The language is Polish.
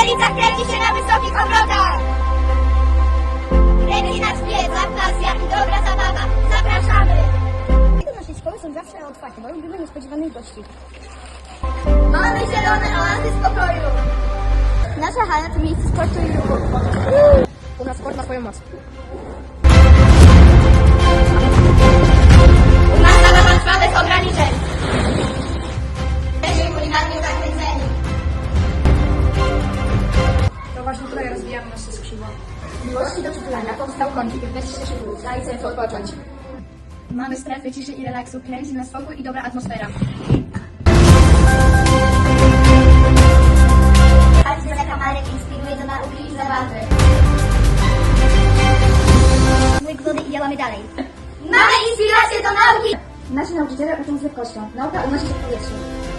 Stolica kręci się na wysokich obrotach! Kręci nas wiedza, pasja i dobra zabawa. Zapraszamy! Do naszej szkoły są zawsze otwarte, bo lubimy niespodziewanych gości. Mamy zielone oazy spokoju. Nasza hala to miejsce sportu i ruchu. U nas sport ma swoją moc. U nas zabawa trwa bez ograniczeń. Jesteśmy kulinarnie zachwyceni. To właśnie tutaj rozwijamy nasze skrzydła. Miłości do czytania powstał kącik, weź się szybko, daj sobie odpocząć. Mamy strefy ciszy i relaksu, kręci na spokój i dobra atmosfera. Patrzcie, kamarek inspiruje do nauki i zabawy. Łyk wody i działamy dalej. Mamy inspirację do nauki! Nasi nauczyciele uczą z lekkością. Nauka unosi się w powietrzu.